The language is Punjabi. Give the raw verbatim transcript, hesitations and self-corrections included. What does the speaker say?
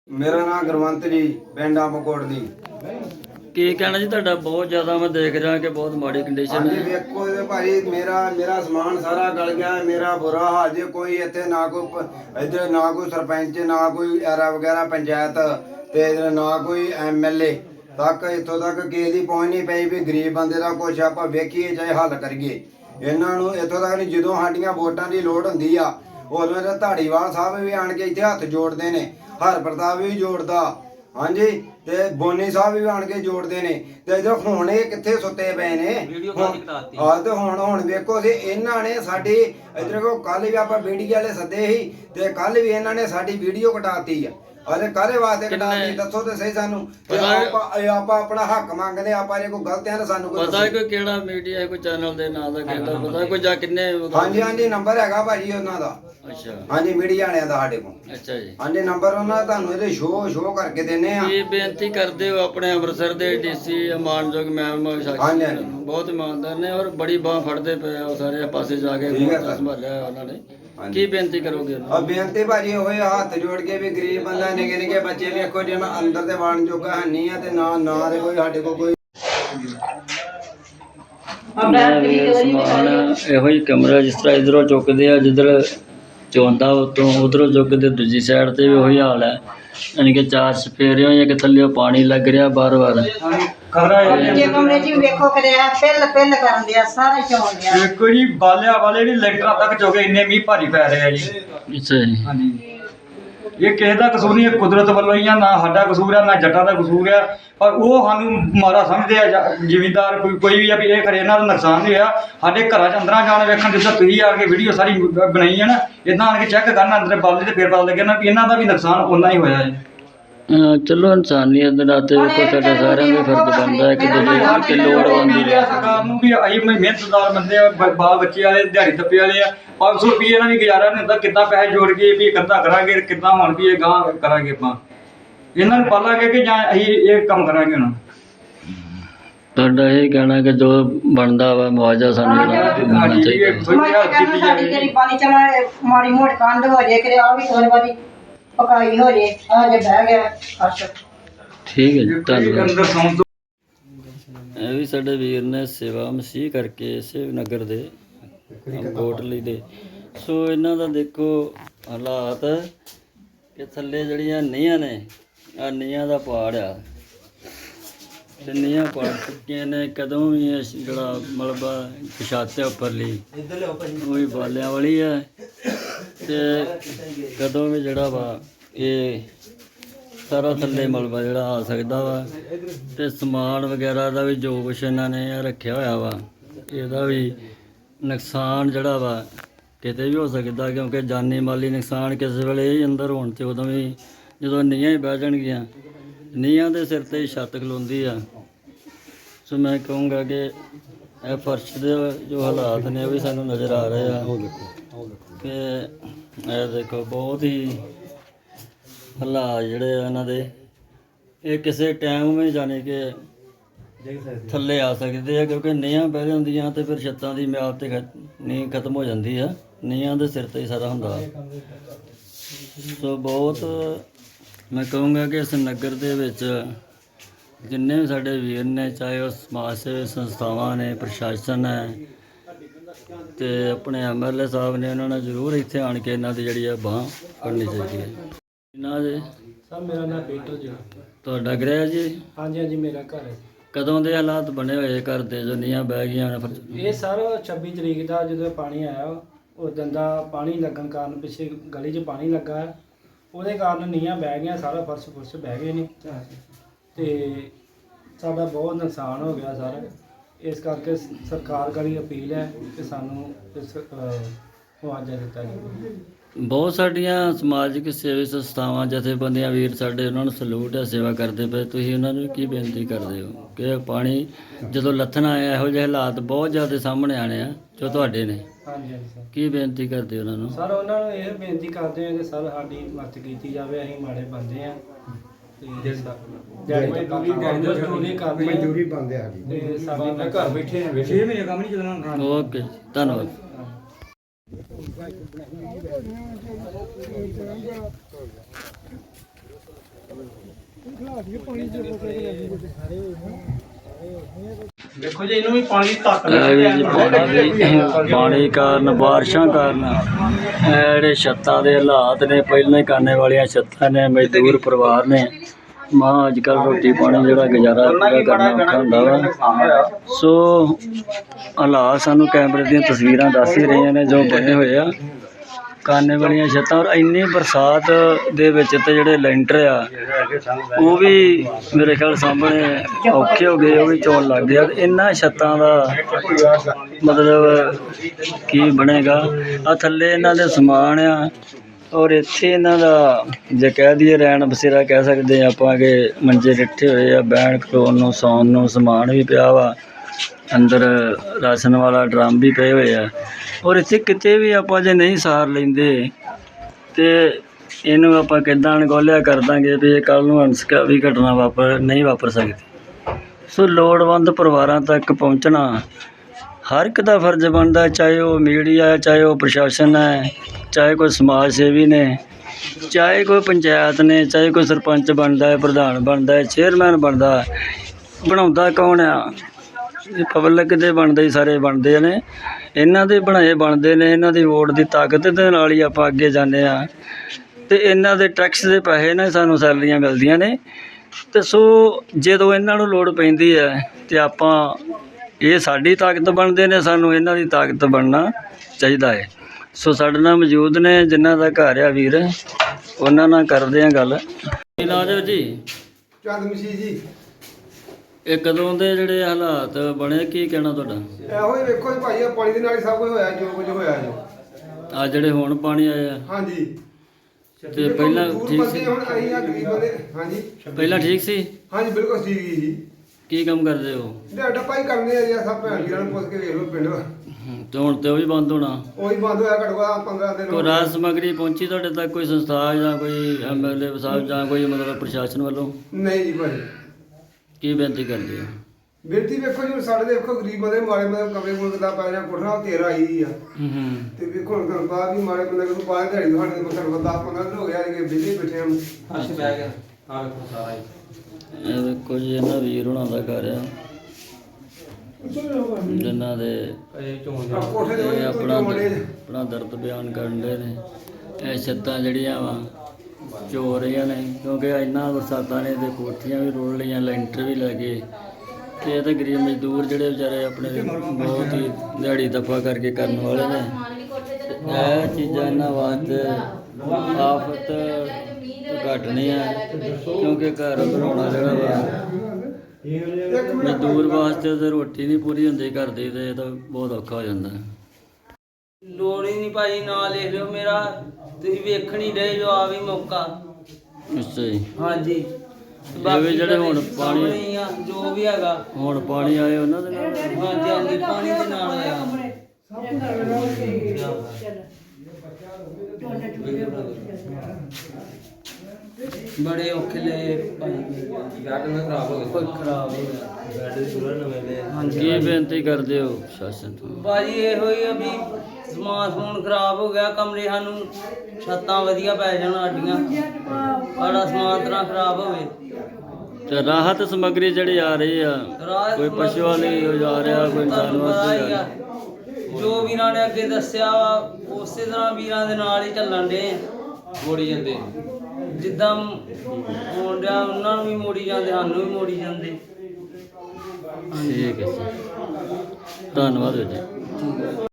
मेरा नाम गुरवंत जी पिंड अंबकोट दी। ਕੀ ਕਹਿਣਾ ਜੀ ਤੁਹਾਡਾ? ਬਹੁਤ ਜ਼ਿਆਦਾ ਮੈਂ ਦੇਖ ਰਿਹਾ ਕਿ ਬਹੁਤ ਮਾੜੀ ਕੰਡੀਸ਼ਨ ਹਾਂਜੀ ਹੈ। ਵੇਖੋ ਤੇ ਭਾਈ ਮੇਰਾ ਮੇਰਾ ਸਮਾਨ ਸਾਰਾ ਗਲ ਗਿਆ, ਮੇਰਾ ਬੁਰਾ ਹਾਲ ਜੇ। ਕੋਈ ਇੱਥੇ ਨਾ ਕੋਈ ਇੱਧਰ ਨਾ ਕੋਈ ਸਰਪੰਚ, ਨਾ ਕੋਈ ਐਰਾ ਵਗੈਰਾ ਪੰਚਾਇਤ ਤੇ ਇੱਧਰ ਨਾ ਕੋਈ ਐਮ ਐਲ ਏ ਤੱਕ ਇੱਥੋਂ ਤੱਕ ਕਿਸੇ ਦੀ ਪਹੁੰਚ ਨਹੀਂ ਪਈ ਵੀ ਗਰੀਬ ਬੰਦੇ ਦਾ ਕੁਛ ਆਪਾਂ ਵੇਖੀਏ ਚਾਹੇ ਹੱਲ ਕਰੀਏ। ਇਹਨਾਂ ਨੂੰ ਇੱਥੋਂ ਤੱਕ ਨਹੀਂ, ਜਦੋਂ ਸਾਡੀਆਂ ਵੋਟਾਂ ਦੀ ਲੋੜ ਹੁੰਦੀ ਆ ਉਦੋਂ ਤਾਂ ਧਾੜੀਵਾਲ ਸਾਹਿਬ ਵੀ ਆਣ ਕੇ ਇੱਥੇ ਹੱਥ ਜੋੜਦੇ ਨੇ, ਹਰ ਪ੍ਰਤਾਪ ਵੀ ਜੋੜਦਾ, ਹਾਂਜੀ ਤੇ ਬੋਨੀ ਸਾਹਿਬ ਵੀ ਆਣ ਕੇ ਜੋੜਦੇ ਨੇ। ਤੇ ਜਦੋਂ ਹੁਣ ਇਹ ਕਿੱਥੇ ਸੁੱਤੇ ਪਏ ਨੇ ਆ, ਤੇ ਹੁਣ ਹੁਣ ਵੇਖੋ ਜੀ ਇਹਨਾਂ ਨੇ ਸਾਡੀ ਇਧਰ ਕੋ ਕੱਲ ਵੀ ਆਪਾਂ ਵੀਡੀਓ ਵਾਲੇ ਸੱਦੇ ਸੀ ਤੇ ਕੱਲ ਵੀ ਇਹਨਾਂ ਨੇ ਸਾਡੀ ਵੀਡੀਓ ਕਟਾਤੀ ਆ। ਅਰੇ ਕਾਹਦੇ ਵਾਸਤੇ ਕਟਾਤੀ ਦੱਸੋ ਤੇ ਸਹੀ ਸਾਨੂੰ। ਤੇ ਆਪਾਂ ਆਪਾਂ ਆਪਣਾ ਹੱਕ ਮੰਗਦੇ ਆਪਾਂ, ਜੇ ਕੋਈ ਗਲਤ ਹੈ ਤਾਂ ਸਾਨੂੰ ਕੋਈ ਪਤਾ ਹੈ ਕੋਈ ਕਿਹੜਾ ਮੀਡੀਆ ਹੈ, ਕੋਈ ਚੈਨਲ ਦੇ ਨਾਂ ਦਾ ਕਿਹੜਾ ਪਤਾ ਕੋਈ ਜਾਂ ਕਿੰਨੇ? ਹਾਂਜੀ ਹਾਂਜੀ ਨੰਬਰ ਹੈਗਾ ਭਾਜੀ ਉਹਨਾਂ ਦਾ। ਅੱਛਾ ਹਾਂਜੀ ਮੀਡੀਆ ਵਾਲਿਆਂ ਦਾ ਸਾਡੇ ਕੋਲ। ਅੱਛਾ ਜੀ। ਹਾਂਜੀ ਨੰਬਰ ਉਹਨਾਂ ਦਾ ਤੁਹਾਨੂੰ ਇਹਦੇ ਸ਼ੋਅ ਸ਼ੋਅ ਕਰਕੇ ਦਿੰਨੇ ਆ। ਕੀ ਬੇਨਤੀ ਕਰਦੇ ਹੋ ਆਪਣੇ ਅੰਮ੍ਰਿਤਸਰ ਦੇ ਡੀਸੀ ਮਾਨਯੋਗ ਮੈਮ ਬਹੁਤ ਇਮਾਨਦਾਰ ਨੇ ਔਰ ਬੜੀ ਬਾਹ ਫੜਦੇ ਪਏ ਆ ਸਾਰੇ ਪਾਸੇ ਜਾ ਕੇ ਸੰਭਾਲਿਆ ਉਹਨਾਂ ਨੇ। ਕੀ ਬੇਨਤੀ ਕਰੋਗੇ? ਆ ਬੇਨਤੀ ਭਾਜੀ ਹੋਏ ਹੱਥ ਜੋੜ ਕੇ ਵੀ ਗਰੀਬ ਬੰਦਾ ਨਿੱਕੇ ਨਿੱਕੇ ਬੱਚੇ ਵੇਖੋ, ਜੇ ਮੈਂ ਅੰਦਰ ਤੇ ਵੜਨ ਜੋਗਾ ਹੈ ਨਹੀਂ ਆ ਤੇ ਨਾ ਨਾ ਦੇ ਕੋਈ ਸਾਡੇ ਕੋਲ ਕੋਈ ਸਮਾਨ ਇਹੋ ਹੀ ਕਮਰਾ ਜਿਸ ਤਰ੍ਹਾਂ ਇਧਰੋਂ ਚੁੱਕਦੇ ਆ, ਜਿੱਧਰ ਚੋਂਦਾ ਉਤੋਂ ਉਧਰੋਂ ਚੁੱਕਦੇ, ਦੂਜੀ ਸਾਈਡ ਤੇ ਵੀ ਉਹੀ ਹਾਲ ਹੈ। ਯਾਨੀ ਕਿ ਚਾਰ ਸਫੇਰੇ ਹੋਈਆਂ ਕਿ ਥੱਲੇ ਪਾਣੀ ਲੱਗ ਰਿਹਾ ਬਾਰ ਬਾਰ। ਜੇ ਕਮਰੇ 'ਚ ਵੀ ਵੇਖੋ ਕਰਿਆ ਪਿੱਲ ਪਿੱਲ ਕਰਨ ਦਿਆ ਸਾਰੇ ਚੋਣ ਦਿਆ। ਦੇਖੋ ਜੀ ਬਾਲਿਆਂ ਵਾਲੇ ਵੀ ਲੈਂਟਰਾਂ ਤੱਕ ਚੋਗੇ, ਇੰਨੇ ਮੀਂਹ ਭਾਰੀ ਪੈ ਰਹੇ ਆ ਜੀ। ਅੱਛਾ ਜੀ। ਹਾਂਜੀ ਇਹ ਕਿਸੇ ਦਾ ਕਸੂਰ ਨਹੀਂ, ਕੁਦਰਤ ਵੱਲੋਂ ਹੀ ਆ, ਨਾ ਸਾਡਾ ਕਸੂਰ ਆ ਨਾ ਜੱਟਾਂ ਦਾ ਕਸੂਰ ਆ। ਪਰ ਉਹ ਸਾਨੂੰ ਮਾੜਾ ਸਮਝਦੇ ਆ ਜ਼ਿਮੀਂਦਾਰ ਕੋਈ ਕੋਈ ਵੀ ਆ ਵੀ ਇਹ ਕਰੇ, ਇਹਨਾਂ ਦਾ ਨੁਕਸਾਨ ਨਹੀਂ ਹੋਇਆ। ਸਾਡੇ ਘਰਾਂ 'ਚ ਅੰਦਰਾਂ ਜਾਣ ਵੇਖਣ, ਜਿੱਦਾਂ ਤੁਸੀਂ ਆ ਕੇ ਵੀਡੀਓ ਸਾਰੀ ਬਣਾਈ ਹੈ ਨਾ, ਇੱਦਾਂ ਆਣ ਕੇ ਚੈੱਕ ਕਰਨ ਅੰਦਰ ਬਾਲੇ ਤੇ ਫਿਰ ਪਤਾ ਲੱਗਿਆ ਨਾ ਵੀ ਇਹਨਾਂ ਦਾ ਵੀ ਨੁਕਸਾਨ ਓਨਾ ਹੀ ਹੋਇਆ ਹੈ। ਚਲੋ ਇਨਸਾਨੀਅਤ ਦੇ ਨਾਤੇ ਵੇਖੋ ਸਾਡਾ ਸਾਰਿਆਂ ਦਾ ਫਰਜ਼ ਬਣਦਾ ਹੈ ਕਿ ਦੂਜੇ ਕਿ ਲੋੜ ਆਉਂਦੀ ਹੈ ਸਰਕਾਰ ਨੂੰ ਵੀ ਅਸੀਂ ਮਿਹਨਤਦਾਰ ਬੰਦੇ ਆ, ਬਾਲ ਬੱਚੇ ਵਾਲੇ ਦਿਹਾੜੀ ਦੱਪੇ ਵਾਲੇ ਆ। ਪੰਜ ਸੌ ਰੁਪਏ ਨਾਲ ਵੀ ਗੁਜ਼ਾਰਾ ਨਹੀਂ ਹੁੰਦਾ, ਕਿੱਦਾਂ ਪੈਸੇ ਜੋੜ ਕੇ ਵੀ ਕਿੱਦਾਂ ਕਰਾਂਗੇ, ਕਿੱਦਾਂ ਹੁਣ ਵੀ ਇਹ ਗਾਂ ਕਰਾਂਗੇ ਆਪਾਂ ਇਹਨਾਂ ਨੂੰ ਪਾਲਾਂਗੇ ਕਿ ਜਾਂ ਅਸੀਂ ਇਹ ਕੰਮ ਕਰਾਂਗੇ। ਹੁਣ ਤੁਹਾਡਾ ਇਹ ਕਹਿਣਾ ਕਿ ਜੋ ਬਣਦਾ ਵਾ ਮੁਆਵਜ਼ਾ ਸਾਨੂੰ ਮਿਲਣਾ ਚਾਹੀਦਾ। ਸਾਡੀ ਗਰੀਬਾਂ ਚਲਾ ਮਾੜੀ ਮੋਟੀ ਕੰਧ ਹੋ ਜੇ ਕਿ ਆ ਵੀ ਥੋੜੀ ਵਾਰੀ ਪਕਾਈ ਹੋ ਜੇ ਆ ਜੇ ਬਹਿ ਗਿਆ ਫਰਸ਼। ਠੀਕ ਹੈ ਜੀ, ਧੰਨਵਾਦ। ਅੰਦਰ ਸੌਣ ਤੋਂ ਇਹ ਵੀ ਸਾਡੇ ਵੀਰ ਨੇ ਸੇਵਾ ਮਸੀਹ ਕਰਕੇ ਸ਼ਿਵ ਨਗਰ ਦੇ ਕੋਟਲੀ ਦੇ। ਸੋ ਇਹਨਾਂ ਦਾ ਦੇਖੋ ਹਾਲਾਤ ਕਿ ਥੱਲੇ ਜਿਹੜੀਆਂ ਨੀਹਾਂ ਨੇ, ਆ ਨੀਹਾਂ ਦਾ ਪਹਾੜ ਆ ਤੇ ਨੀਹਾਂ ਪੜ ਚੁੱਕੀਆਂ ਨੇ। ਕਦੋਂ ਵੀ ਇਹ ਜਿਹੜਾ ਮਲਬਾ ਛੱਤ ਉੱਪਰਲੀ ਉਹ ਵੀ ਬਾਲਿਆਂ ਵਾਲੀ ਹੈ ਤੇ ਕਦੋਂ ਵੀ ਜਿਹੜਾ ਵਾ ਇਹ ਸਾਰਾ ਥੱਲੇ ਮਲਬਾ ਜਿਹੜਾ ਆ ਸਕਦਾ ਵਾ। ਤੇ ਸਮਾਨ ਵਗੈਰਾ ਦਾ ਵੀ ਜੋ ਕੁਛ ਇਹਨਾਂ ਨੇ ਰੱਖਿਆ ਹੋਇਆ ਵਾ, ਇਹਦਾ ਵੀ ਨੁਕਸਾਨ ਜਿਹੜਾ ਵਾ ਕਿਤੇ ਵੀ ਹੋ ਸਕਦਾ, ਕਿਉਂਕਿ ਜਾਨੀ ਮਾਲੀ ਨੁਕਸਾਨ ਕਿਸੇ ਵੇਲੇ ਹੀ ਅੰਦਰ ਹੋਣ ਤੇ ਉਦੋਂ ਵੀ ਜਦੋਂ ਨੀਹਾਂ ਹੀ ਬਹਿ ਜਾਣਗੀਆਂ, ਨੀਹਾਂ ਦੇ ਸਿਰ 'ਤੇ ਛੱਤ ਖਲੋਂਦੀ ਆ। ਸੋ ਮੈਂ ਕਹੂੰਗਾ ਕਿ ਇਹ ਫਰਸ਼ ਦੇ ਜੋ ਹਾਲਾਤ ਨੇ ਉਹ ਵੀ ਸਾਨੂੰ ਨਜ਼ਰ ਆ ਰਹੇ ਆ ਕਿ ਇਹ ਦੇਖੋ ਬਹੁਤ ਹੀ ਹਾਲਾਤ ਜਿਹੜੇ ਆ ਇਹਨਾਂ ਦੇ, ਇਹ ਕਿਸੇ ਟਾਈਮ ਵੀ ਜਾਣੀ ਕਿ ਥੱਲੇ ਆ ਸਕਦੇ ਆ, ਕਿਉਂਕਿ ਨੀਹਾਂ ਬਹਿ ਜਾਂਦੀਆਂ ਤੇ ਫਿਰ ਛੱਤਾਂ ਦੀ ਮਿਆਦ ਤੇ ਨੀਂਹ ਖਤਮ ਹੋ ਜਾਂਦੀ ਆ। ਨੀਹਾਂ ਦੇ ਸਿਰ 'ਤੇ ਹੀ ਸਾਰਾ ਹੁੰਦਾ। ਸੋ ਬਹੁਤ ਮੈਂ ਕਹੂੰਗਾ ਕਿ ਇਸ ਨਗਰ ਦੇ ਵਿੱਚ ਜਿੰਨੇ ਵੀ ਸਾਡੇ ਵੀਰ ਨੇ, ਚਾਹੇ ਉਹ ਸਮਾਜ ਸੇਵੀ ਸੰਸਥਾਵਾਂ ਨੇ, ਪ੍ਰਸ਼ਾਸਨ ਹੈ ਤੇ ਆਪਣੇ ਐਮ ਐਲ ਏ ਸਾਹਿਬ ਨੇ, ਉਹਨਾਂ ਨੇ ਜ਼ਰੂਰ ਇੱਥੇ ਆਣ ਕੇ ਇਹਨਾਂ ਦੀ ਜਿਹੜੀ ਆ ਬਾਂਹ ਫੜਨੀ ਚਾਹੀਦੀ ਹੈ। ਇਹਨਾਂ ਦੇ ਸਰ ਮੇਰਾ ਨਾਮ ਪੀਟਰ ਜੀ। ਤੁਹਾਡਾ ਗ੍ਰਹਿ ਜੀ? ਹਾਂਜੀ ਹਾਂਜੀ ਮੇਰਾ ਘਰ ਹੈ। ਕਦੋਂ ਦੇ ਹਾਲਾਤ ਬਣੇ ਹੋਏ ਘਰ ਦੇ ਜੋ ਨੀਹਾਂ ਬਹਿ ਗਈਆਂ ਨੇ? ਇਹ ਸਰ ਛੱਬੀ ਤਰੀਕ ਦਾ ਜਦੋਂ ਪਾਣੀ ਆਇਆ, ਉਦੋਂ ਦਾ ਪਾਣੀ ਲੱਗਣ ਕਾਰਨ ਪਿੱਛੇ ਗਲੀ 'ਚ ਪਾਣੀ ਲੱਗਾ, ਉਹਦੇ ਕਾਰਨ ਨੀਹਾਂ ਬਹਿ ਗਈਆਂ, ਸਾਰਾ ਫਰਸ਼ ਫੁਰਸ਼ ਬਹਿ ਗਏ ਨੇ ਤੇ ਸਾਡਾ ਬਹੁਤ ਨੁਕਸਾਨ ਹੋ ਗਿਆ ਸਰ। ਇਸ ਕਰਕੇ ਸਰਕਾਰ ਕੋਲ ਅਪੀਲ ਹੈ ਕਿ ਸਾਨੂੰ ਇਸ ਮੁਆਵਜ਼ਾ ਦਿੱਤਾ ਜਾਵੇ। ਬਹੁਤ ਸਾਡੀਆਂ ਸਮਾਜਿਕ ਸੇਵੀ ਸੰਸਥਾਵਾਂ, ਜਥੇਬੰਦੀਆਂ, ਵੀਰ ਸਾਡੇ, ਉਹਨਾਂ ਨੂੰ ਸਲੂਟ ਹੈ, ਸੇਵਾ ਕਰਦੇ ਪਏ। ਤੁਸੀਂ ਉਹਨਾਂ ਨੂੰ ਕੀ ਬੇਨਤੀ ਕਰਦੇ ਹੋ ਕਿ ਪਾਣੀ ਜਦੋਂ ਲੱਥਣਾ ਆਇਆ, ਇਹੋ ਜਿਹੇ ਹਾਲਾਤ ਬਹੁਤ ਜ਼ਿਆਦਾ ਸਾਹਮਣੇ ਆਣੇ ਆ ਜੋ ਤੁਹਾਡੇ ਨੇ, ਹਾਂਜੀ ਹਾਂਜੀ ਸਰ ਕੀ ਬੇਨਤੀ ਕਰਦੇ ਉਹਨਾਂ ਨੂੰ? ਸਰ ਉਹਨਾਂ ਨੂੰ ਇਹ ਬੇਨਤੀ ਕਰਦੇ ਹਾਂ ਕਿ ਸਰ ਸਾਡੀ ਮਦਦ ਕੀਤੀ ਜਾਵੇ, ਅਸੀਂ ਮਾੜੇ ਬੰਦੇ ਹਾਂ ਤੇ ਮਜ਼ਦੂਰੀ ਬੰਦੇ ਆ ਜੀ ਤੇ ਸਾਡੇ ਘਰ ਬੈਠੇ ਆ, ਛੇ ਮਹੀਨੇ ਕੰਮ ਨਹੀਂ ਚੱਲਣਾ। ਓਕੇ, ਧੰਨਵਾਦ। ਦੇਖੋ ਜੀ ਇਹਨੂੰ ਵੀ ਪਾਣੀ ਤੱਕ ਇਹ ਵੀ ਜੀ ਪਾਣੀ ਪਾਣੀ ਕਾਰਨ ਬਾਰਿਸ਼ਾਂ ਕਾਰਨ ਇਹ ਜਿਹੜੇ ਛੱਤਾਂ ਦੇ ਹਾਲਾਤ ਨੇ, ਪਹਿਲਾਂ ਹੀ ਕਾਨੇ ਵਾਲੀਆਂ ਛੱਤਾਂ ਨੇ, ਮਜ਼ਦੂਰ ਪਰਿਵਾਰ ਨੇ, ਮਾਂ ਅੱਜ ਕੱਲ੍ਹ ਰੋਟੀ ਪਾਣੀ ਜਿਹੜਾ ਗੁਜ਼ਾਰਾ ਪੂਰਾ ਕਰਨਾ ਔਖਾ ਹੁੰਦਾ ਵਾ। ਸੋ ਹਾਲਾਤ ਸਾਨੂੰ ਕੈਮਰੇ ਦੀਆਂ ਤਸਵੀਰਾਂ ਦੱਸ ਹੀ ਰਹੀਆਂ ਨੇ ਜੋ ਬਣੇ ਹੋਏ ਆ ਕਾਨੇ ਵਾਲੀਆਂ ਛੱਤਾਂ। ਔਰ ਇੰਨੀ ਬਰਸਾਤ ਦੇ ਵਿੱਚ ਤੇ ਜਿਹੜੇ ਲੈਂਟਰ ਆ ਉਹ ਵੀ ਮੇਰੇ ਖਿਆਲ ਸਾਹਮਣੇ ਔਖੇ ਹੋ ਗਏ, ਉਹ ਵੀ ਚੋਣ ਲੱਗ ਗਿਆ। ਇਹਨਾਂ ਛੱਤਾਂ ਦਾ ਮਤਲਬ ਕੀ ਬਣੇਗਾ? ਆ ਥੱਲੇ ਇਹਨਾਂ ਦੇ ਸਮਾਨ ਆ, ਔਰ ਇੱਥੇ ਇਹਨਾਂ ਦਾ ਜੇ ਕਹਿ ਦਈਏ ਰਹਿਣ ਬਸੇਰਾ ਕਹਿ ਸਕਦੇ ਆਪਾਂ ਕਿ ਮੰਜੇ ਡਿੱਠੇ ਹੋਏ ਆ, ਬਹਿਣ ਖਲੋਣ ਨੂੰ ਸੌਣ ਨੂੰ ਸਮਾਨ ਵੀ ਪਿਆ ਵਾ, ਅੰਦਰ ਰਾਸ਼ਨ ਵਾਲਾ ਡਰਮ ਵੀ ਪਏ ਹੋਏ ਆ। ਔਰ ਇੱਥੇ ਕਿਤੇ ਵੀ ਆਪਾਂ ਜੇ ਨਹੀਂ ਸਾਰ ਲੈਂਦੇ ਤੇ ਇਹਨੂੰ ਆਪਾਂ ਕਿੱਦਾਂ ਅਣਗੌਲਿਆ ਕਰ ਦਾਂਗੇ ਵੀ ਇਹ ਕੱਲ੍ਹ ਨੂੰ ਅਨਸਕਾ ਵੀ ਘਟਨਾ ਵਾਪਰ ਨਹੀਂ ਵਾਪਰ ਸਕਦੀ। ਸੋ ਲੋੜਵੰਦ ਪਰਿਵਾਰਾਂ ਤੱਕ ਪਹੁੰਚਣਾ ਹਰ ਇੱਕ ਦਾ ਫਰਜ਼ ਬਣਦਾ, ਚਾਹੇ ਉਹ ਮੀਡੀਆ ਹੈ, ਚਾਹੇ ਉਹ ਪ੍ਰਸ਼ਾਸਨ ਹੈ, ਚਾਹੇ ਕੋਈ ਸਮਾਜ ਸੇਵੀ ਨੇ, ਚਾਹੇ ਕੋਈ ਪੰਚਾਇਤ ਨੇ, ਚਾਹੇ ਕੋਈ ਸਰਪੰਚ ਬਣਦਾ ਹੈ, ਪ੍ਰਧਾਨ ਬਣਦਾ ਹੈ, ਚੇਅਰਮੈਨ ਬਣਦਾ। ਬਣਾਉਂਦਾ ਕੌਣ ਆ? ਇਹ ਪਬਲਿਕ ਦੇ ਬਣਦੇ ਹੀ ਸਾਰੇ ਬਣਦੇ ਨੇ, ਇਹਨਾਂ ਦੇ ਬਣਾਏ ਬਣਦੇ ਨੇ, ਇਹਨਾਂ ਦੀ ਵੋਟ ਦੀ ਤਾਕਤ ਦੇ ਨਾਲ ਹੀ ਆਪਾਂ ਅੱਗੇ ਜਾਂਦੇ ਹਾਂ ਅਤੇ ਇਹਨਾਂ ਦੇ ਟੈਕਸ ਦੇ ਪੈਸੇ ਨਾਲ ਸਾਨੂੰ ਸੈਲਰੀਆਂ ਮਿਲਦੀਆਂ ਨੇ। ਅਤੇ ਸੋ ਜਦੋਂ ਇਹਨਾਂ ਨੂੰ ਲੋੜ ਪੈਂਦੀ ਹੈ ਅਤੇ ਆਪਾਂ ਇਹ ਸਾਡੀ ਤਾਕਤ ਬਣਦੇ ਨੇ, ਸਾਨੂੰ ਇਹਨਾਂ ਦੀ ਤਾਕਤ ਬਣਨਾ ਚਾਹੀਦਾ ਹੈ। ਸੋ ਸਾਡੇ ਨਾਲ ਮੌਜੂਦ ਨੇ ਜਿਨ੍ਹਾਂ ਦਾ ਘਰ ਆ ਵੀਰ, ਉਹਨਾਂ ਨਾਲ ਕਰਦੇ ਹਾਂ ਗੱਲ। ਕੀ ਨਾਂ ਜੀ ਜੀ? ਚੰਦ ਮਸੀਹ ਜੀ। ਇਹ ਕਦੋਂ ਦੇ ਜਿਹੜੇ ਹਾਲਾਤ ਬਣੇ, ਕੀ ਕਹਿਣਾ ਤੁਹਾਡਾ? ਇਹੋ ਹੀ ਵੇਖੋ ਜੀ ਭਾਈ, ਪਾਣੀ ਦੇ ਨਾਲ ਹੀ ਸਭ ਕੁਝ ਹੋਇਆ ਜੋ ਕੁਝ ਹੋਇਆ ਜੀ। ਆ ਜਿਹੜੇ ਹੁਣ ਪਾਣੀ ਆਇਆ ਹਾਂਜੀ ਤੇ ਪਹਿਲਾਂ ਠੀਕ ਸੀ? ਹੁਣ ਅਸੀਂ ਆ ਗਰੀਬ ਬੰਦੇ। ਹਾਂਜੀ ਪਹਿਲਾਂ ਠੀਕ ਸੀ? ਹਾਂਜੀ ਬਿਲਕੁਲ ਠੀਕ ਜੀ। ਕੀ ਕੰਮ ਕਰਦੇ ਹੋ? ਡਾਡਾ ਪਾਈ ਕਰਨੇ ਆ ਜੀ, ਸਭ ਭੈਣ ਵੀਰਾਂ ਨੂੰ ਪੁੱਛ ਕੇ ਵੇਖ ਲਓ ਪਿੰਡ। ਹੂੰ, ਤੇ ਹੁਣ ਤੇ ਉਹ ਵੀ ਬੰਦ ਹੋਣਾ? ਉਹੀ ਬੰਦ ਹੋਇਆ ਘੱਟੋ ਘੱਟ ਪੰਦਰਾਂ ਦਿਨ। ਕੋਈ ਰਾਹਤ ਸਮੱਗਰੀ ਪਹੁੰਚੀ ਤੁਹਾਡੇ ਤੱਕ, ਕੋਈ ਸੰਸਥਾ ਜਾਂ ਕੋਈ ਐਮ ਐਲ ਏ ਸਾਹਿਬ ਜਾਂ ਕੋਈ ਮਤਲਬ ਪ੍ਰਸ਼ਾਸਨ ਵੱਲੋਂ? ਨਹੀਂ ਜੀ ਭਾਈ। ਕੀ ਬੇਨਤੀ ਕਰਦੇ ਹੋ? ਬੇਨਤੀ ਵੇਖੋ ਜੀ, ਸਾਡੇ ਦੇ ਵੇਖੋ ਗਰੀਬ ਬੰਦੇ ਮਾੜੇ ਮਤਲਬ ਕਮਰੇ ਕੋਲ ਕਿੱਦਾਂ ਪੈ ਰਿਹਾ ਕੋਠਾ ਤੇਰਾ ਆਈ ਆ। ਹੂੰ ਹੂੰ ਤੇ ਵੇਖੋ ਹੁਣ ਤੁਹਾਨੂੰ ਪਤਾ ਵੀ ਮਾੜੇ ਬੰਦੇ ਨੂੰ ਪਾਇਆ ਦਿਹਾੜੀ ਤੁਹਾਡੇ ਮਤਲਬ ਬੰਦਾ ਪੰਦਰਾਂ ਦਿਨ ਹੋ ਗਿਆ ਕਿ ਵਿਹਲੇ ਬੈਠੇ ਹਾਂ। ਹੱਥ ਬਹਿ ਗਿਆ ਹਾਂ ਵੇਖੋ ਸਾਰਾ ਹੀ। ਇਹ ਵੇਖੋ ਜੀ ਇਹਨਾਂ ਵੀਰ ਹੋਣਾ ਦਾ ਘਰ ਆ, ਜਿਨ੍ਹਾਂ ਦੇ ਇਹ ਝੋਨ ਆਹ ਕੋਠੇ ਦੇ ਇਹ ਵਿੱਚ ਆਪਣਾ ਕੋਈ ਆਪਣਾ ਦਰਦ ਬਿਆਨ ਕਰਨ ਦੇ ਨੇ। ਇਹ ਛੱਤਾਂ ਜਿਹੜੀਆਂ ਵਾ ਚੋ ਰਹੀਆਂ ਨੇ, ਕਿਉਂਕਿ ਇੰਨਾ ਬਰਸਾਤਾਂ ਨੇ ਤੇ ਕੋਠੀਆਂ ਵੀ ਰੋੜ ਲਈਆਂ, ਲੈਂਟਰ ਵੀ ਲੈ ਗਏ। ਤੇ ਇਹ ਤਾਂ ਗਰੀਬ ਮਜ਼ਦੂਰ ਜਿਹੜੇ ਵਿਚਾਰੇ ਆਪਣੇ ਬਹੁਤ ਹੀ ਦਿਹਾੜੀ ਦਫਾ ਕਰਕੇ ਕਰਨ ਵਾਲੇ ਨੇ। ਇਹ ਚੀਜ਼ਾਂ ਇਹਨਾਂ ਵਾਸਤੇ ਆਫਤ ਘੱਟ ਨਹੀਂ ਹੈ, ਕਿਉਂਕਿ ਘਰ ਬਣਾਉਣਾ ਜਿਹੜਾ ਵਾ ਮਜ਼ਦੂਰ ਵਾਸਤੇ ਤੇ ਰੋਟੀ ਨਹੀਂ ਪੂਰੀ ਹੁੰਦੀ ਘਰ ਦੀ, ਤੇ ਇਹ ਤਾਂ ਬਹੁਤ ਔਖਾ ਹੋ ਜਾਂਦਾ। ਲੋੜ ਹੀ ਨਹੀਂ ਭਾਈ, ਨਾ ਲਿਖ ਲਿਓ ਮੇਰਾ, ਤੁਸੀਂ ਵੇਖਣ ਹੀ ਰਹੇ ਜੋ ਆ ਵੀ ਮੌਕਾ। ਅੱਛਾ ਜੀ। ਹਾਂਜੀ ਇਹ ਵੀ ਜਿਹੜੇ ਹੁਣ ਪਾਣੀ ਸਾਹਮਣੇ ਹੀ ਆ ਜੋ ਵੀ ਹੈਗਾ। ਹੁਣ ਪਾਣੀ ਆਏ ਉਹਨਾਂ ਦੇ ਨਾਲ? ਹਾਂਜੀ ਹਾਂਜੀ ਪਾਣੀ ਦੇ ਨਾਲ ਆਇਆ। ਬੜੇ ਔਖੇ ਲਏ ਭਾਈ, ਬੈਡ ਨਾ ਖਰਾਬ ਹੋ ਗਿਆ, ਕੋਈ ਖਰਾਬ ਹੋ ਗਿਆ ਬੈਡ ਪੂਰਾ ਨਵੇਂ ਲਏ। ਹਾਂਜੀ ਕੀ ਬੇਨਤੀ ਕਰਦੇ ਹੋ ਸ਼ਾਸਨ ਤੋਂ? ਭਾਜੀ ਇਹੋ ਹੀ ਆ ਵੀ ਸਮਾਨ ਸਮੂਨ ਖਰਾਬ ਹੋ ਗਿਆ, ਕਮਰੇ ਸਾਨੂੰ ਛੱਤਾਂ ਵਧੀਆ ਪੈ ਜਾਣ ਸਾਡੀਆਂ, ਸਾਡਾ ਸਮਾਨ ਤਰ੍ਹਾਂ ਖਰਾਬ ਹੋਵੇ। ਤੇ ਰਾਹਤ ਸਮੱਗਰੀ ਜਿਹੜੀ ਆ ਰਹੀ ਆ, ਰਾਹਤ ਕੋਈ ਪਸ਼ੂ ਵਾਲੀ ਹੋ ਜਾ ਰਿਹਾ, ਕੋਈ ਇਨਸਾਨ ਵਾਸਤੇ ਜਾ ਰਿਹਾ। ਜੋ ਵੀਰਾਂ ਨੇ ਅੱਗੇ ਦੱਸਿਆ ਵਾ ਉਸੇ ਤਰ੍ਹਾਂ ਵੀਰਾਂ ਦੇ ਨਾਲ ਹੀ ਚੱਲਣ ਦੇ ਮੋੜੀ ਜਾਂਦੇ, ਜਿੱਦਾਂ ਹੋਣ ਡਿਆ ਉਹਨਾਂ ਨੂੰ ਵੀ ਮੋੜੀ ਜਾਂਦੇ, ਸਾਨੂੰ ਵੀ ਮੋੜੀ ਜਾਂਦੇ। ਠੀਕ ਹੈ ਜੀ, ਧੰਨਵਾਦ ਜੀ।